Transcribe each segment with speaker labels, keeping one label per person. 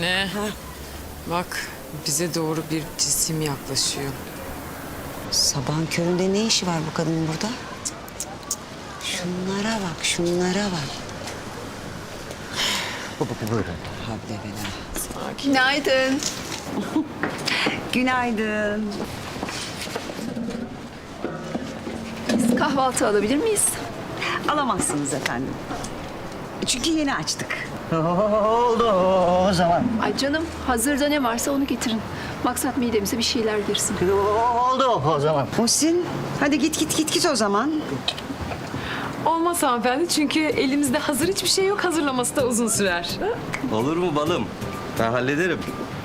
Speaker 1: Anne. Bak bize doğru bir cisim yaklaşıyor.
Speaker 2: Sabahın köründe ne işi var bu kadının burada? Şunlara bak, şunlara bak.
Speaker 3: Buyurun.
Speaker 2: Havle bela.
Speaker 4: Günaydın.
Speaker 2: Günaydın.
Speaker 4: Biz kahvaltı alabilir miyiz?
Speaker 2: Alamazsınız efendim. Çünkü yeni açtık.
Speaker 3: Oldu o zaman.
Speaker 4: Ay canım, hazırda ne varsa onu getirin. Maksat midemize bir şeyler girsin.
Speaker 3: Oldu o zaman.
Speaker 2: Muhsin, hadi git o zaman.
Speaker 1: Olmaz hanımefendi çünkü elimizde hazır hiçbir şey yok. Hazırlaması da uzun sürer.
Speaker 5: Olur mu balım? Ben hallederim.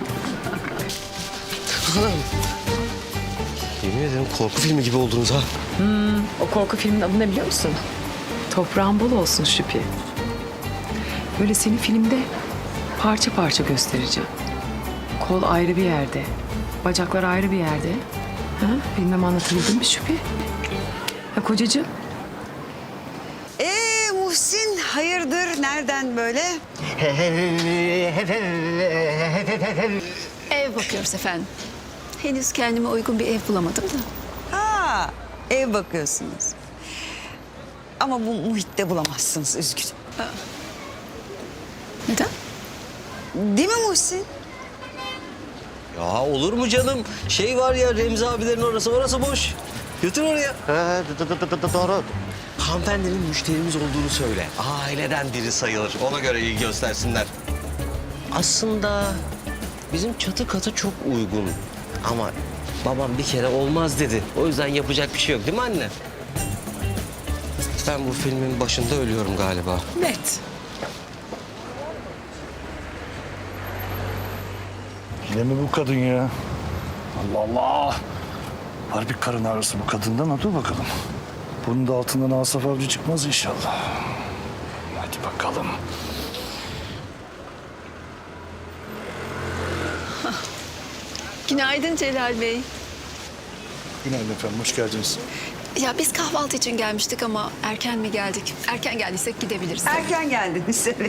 Speaker 5: Yemin ederim korku filmi gibi oldunuz ha.
Speaker 1: O korku filmin adı ne biliyor musun? Toprağın bol olsun Şüphi. Böyle seni filmde parça parça göstereceğim. Kol ayrı bir yerde, bacaklar ayrı bir yerde. Ha? Bilmem anlatabildim mi Şüphi? Ha kocacığım?
Speaker 2: Muhsin, hayırdır? Nereden böyle?
Speaker 4: Ev bakıyoruz efendim. Henüz kendime uygun bir ev bulamadım da.
Speaker 2: Ha, ev bakıyorsunuz. Ama bu muhitte bulamazsınız, üzgünüm.
Speaker 4: Neden?
Speaker 2: Değil mi Muhsin?
Speaker 5: Ya olur mu canım? Şey var ya Remzi abilerin orası boş. Götür oraya.
Speaker 3: Doğru.
Speaker 5: Hanımefendinin müşterimiz olduğunu söyle. Aileden biri sayılır. Ona göre ilgi göstersinler. Aslında bizim çatı katı çok uygun. Ama babam bir kere olmaz dedi. O yüzden yapacak bir şey yok değil mi anne? Ben bu filmin başında ölüyorum galiba.
Speaker 1: Net.
Speaker 6: Yine mi bu kadın ya? Allah Allah! Var bir karın ağrısı bu kadından, ha, dur bakalım. Bunun da altından Asaf Avcı çıkmaz inşallah. Hadi bakalım.
Speaker 4: Günaydın Celal Bey.
Speaker 6: Günaydın efendim, hoş geldiniz.
Speaker 4: Ya biz kahvaltı için gelmiştik ama erken mi geldik? Erken geldiysek gidebiliriz.
Speaker 2: Erken geldiniz, evet.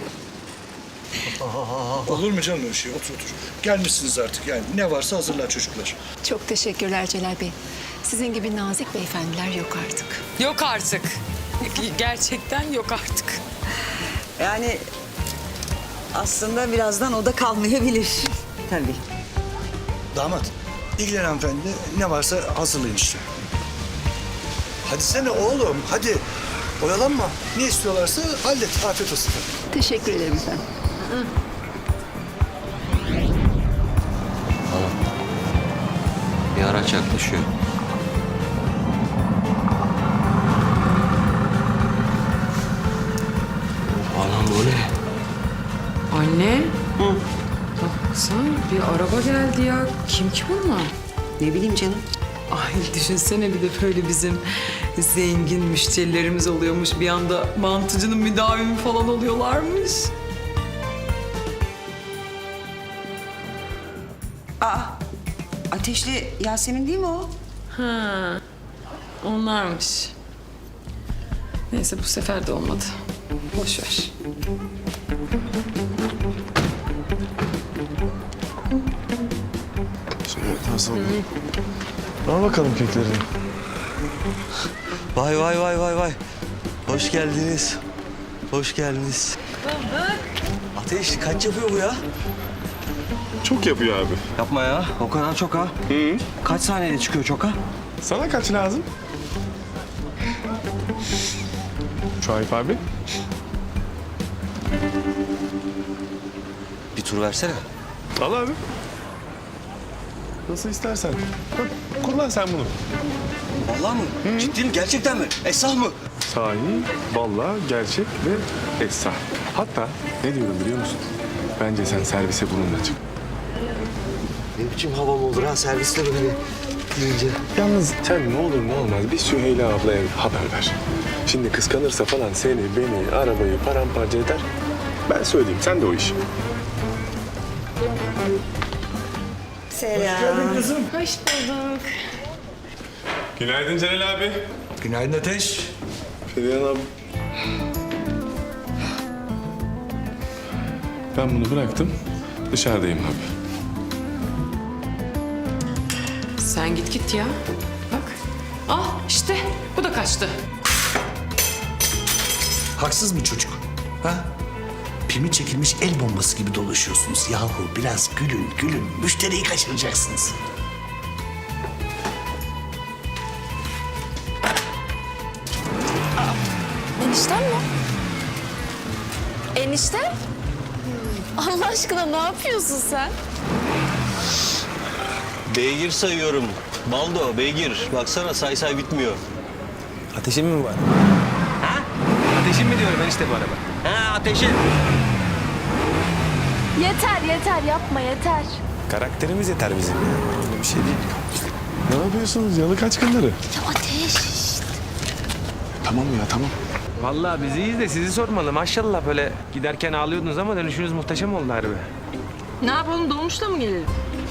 Speaker 6: Olur mu canım öyle şey? Otur otur. Gelmişsiniz artık yani. Ne varsa hazırlar çocuklar.
Speaker 4: Çok teşekkürler Celal Bey. Sizin gibi nazik beyefendiler yok artık.
Speaker 1: Yok artık. Gerçekten yok artık.
Speaker 2: Yani aslında birazdan o da kalmayabilir. Tabii.
Speaker 6: Damat, ilgilen hanımefendi. Ne varsa hazırlayın işte. Hadi sene oğlum, hadi. Oyalanma. Ne istiyorlarsa hallet. Afiyet olsun.
Speaker 4: Teşekkür ederim efendim.
Speaker 5: Bir araç yaklaşıyor. Anam bu ne?
Speaker 1: Anne. Baksana bir araba geldi ya. Kim ki bunlar?
Speaker 2: Ne bileyim canım.
Speaker 1: Ay düşünsene bir de böyle bizim zengin müşterilerimiz oluyormuş. Bir anda mantıcının müdavimi falan oluyorlarmış.
Speaker 2: Ateşli Yasemin değil mi o?
Speaker 1: Ha, onlarmış. Neyse bu sefer de olmadı. Boş ver.
Speaker 6: Al bakalım kekleri.
Speaker 5: Vay. Hoş geldiniz. Hoş geldiniz. Ateş kaç yapıyor bu ya?
Speaker 7: Çok yapıyor abi.
Speaker 5: Yapma ya. O kadar çok ha. Kaç saniyede çıkıyor çok ha?
Speaker 7: Sana kaç lazım? Şahip abi.
Speaker 5: Bir tur versene.
Speaker 7: Al abi. Nasıl istersen. Bak, kullan sen bunu.
Speaker 5: Vallahi mı? Ciddi mi? Gerçekten mi? Esah mı?
Speaker 7: Sahi, vallahi, gerçek ve esra. Hatta ne diyorum biliyor musun? Bence sen servise bununla çık.
Speaker 5: Ne biçim havam olur ha serviste böyle deyince.
Speaker 7: Yalnız sen ne olur ne olmaz bir Süheyla ablaya haber ver. Şimdi kıskanırsa falan seni, beni, arabayı paramparça eder. Ben söyleyeyim, sen de o işi.
Speaker 2: Selam.
Speaker 6: Kızım.
Speaker 1: Hoş bulduk.
Speaker 7: Günaydın Celal abi.
Speaker 6: Günaydın Ateş.
Speaker 7: Ferihan abi. Ben bunu bıraktım. Dışarıdayım abi.
Speaker 1: Sen git ya. Bak. Ah işte bu da kaçtı.
Speaker 6: Haksız mı çocuk? Ha? Pimi çekilmiş el bombası gibi dolaşıyorsunuz. Yahu biraz gülün. Müşteriyi kaçıracaksınız.
Speaker 8: Enişten mi? Enişte? Allah aşkına ne yapıyorsun sen?
Speaker 5: Beygir sayıyorum. Baldo, beygir. Baksana say bitmiyor.
Speaker 9: Ateşin mi var? Ha? Ateşin mi diyorum enişte bu araba?
Speaker 5: Ha ateşin.
Speaker 8: Yeter yapma yeter.
Speaker 9: Karakterimiz yeter bizim ya. Öyle bir şey değil.
Speaker 7: Ne yapıyorsunuz yalı kaçkınları?
Speaker 8: Ya Ateş.
Speaker 7: Tamam ya tamam.
Speaker 9: Vallahi biz iyiyiz de sizi sormalı. Maşallah böyle giderken ağlıyordunuz ama dönüşünüz muhteşem oldu harbi.
Speaker 1: Ne yapalım dolmuşla mı gelelim?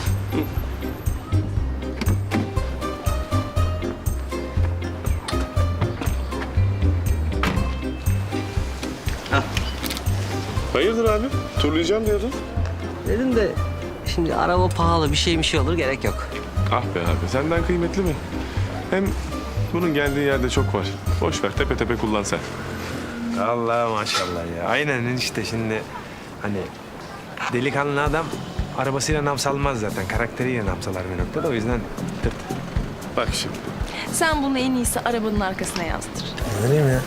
Speaker 7: Hayırdır abi? Turlayacağım diyordun.
Speaker 5: Dedim de şimdi araba pahalı bir şey olur gerek yok.
Speaker 7: Ah be abi senden kıymetli mi? Hem bunun geldiği yerde çok var. Boş ver tepe tepe kullan sen.
Speaker 9: Allah maşallah ya. Aynen enişte şimdi hani delikanlı adam arabasıyla nam salmaz zaten. Karakteriyle nam salar bir noktada. O yüzden tırt.
Speaker 7: Bak şimdi.
Speaker 8: Sen bunu en iyisi arabanın arkasına yazdır.
Speaker 9: Öyle mi ya?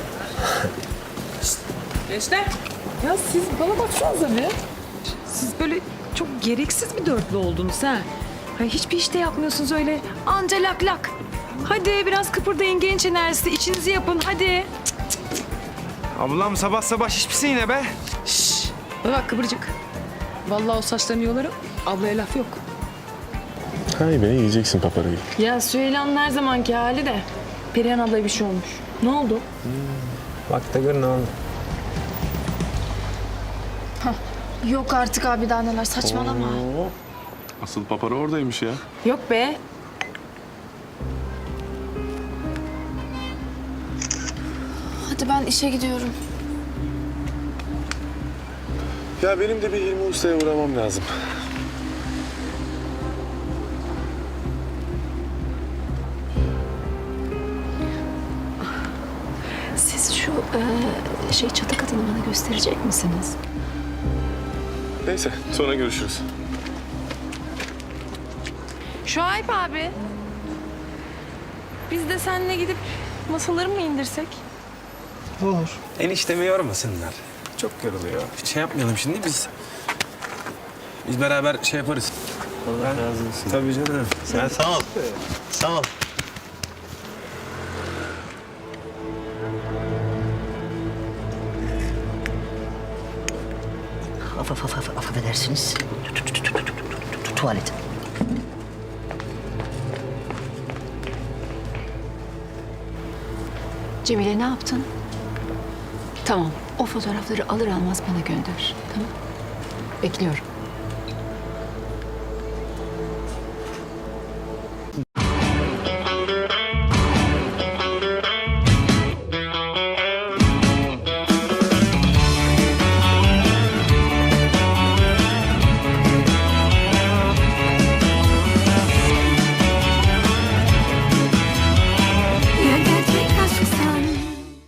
Speaker 1: Gençler. Ya siz bana baksanıza bir. Siz böyle çok gereksiz bir dörtlü oldunuz ha. Hani hiçbir işte yapmıyorsunuz öyle. Anca lak lak. Hadi biraz kıpırdayın genç enerjisi. İçinizi yapın hadi.
Speaker 9: Ablam sabah sabah şişmişsin yine be.
Speaker 1: Bana bak kıvırcık. Vallahi o saçlarını yolarım. Ablaya laf yok.
Speaker 7: Hay be yiyeceksin paparayı.
Speaker 8: Ya Süheyla'nın her zamanki hali de. Perihan ablaya bir şey olmuş. Ne oldu?
Speaker 9: Bak da gör ne oldu.
Speaker 8: Yok artık abi daha neler saçmalama.
Speaker 7: Asıl papara oradaymış ya.
Speaker 8: Yok be. Hadi ben işe gidiyorum.
Speaker 7: Ya benim de bir Hilmi Usta'ya uğramam lazım.
Speaker 4: Siz şu çatı katını bana gösterecek misiniz?
Speaker 7: Neyse sonra görüşürüz.
Speaker 8: Şuayb abi. Biz de seninle gidip masaları mı indirsek?
Speaker 9: Eniştemi yormasınlar. Çok yoruluyor. Şey yapmayalım şimdi biz. Biz beraber şey yaparız. Allah razı olsun. Tabii canım.
Speaker 5: Sen sağ ol. Sağ ol.
Speaker 2: Affedersiniz. Tuvalet.
Speaker 4: Cemile ne yaptın? Tamam. O fotoğrafları alır almaz bana gönder. Tamam. Bekliyorum.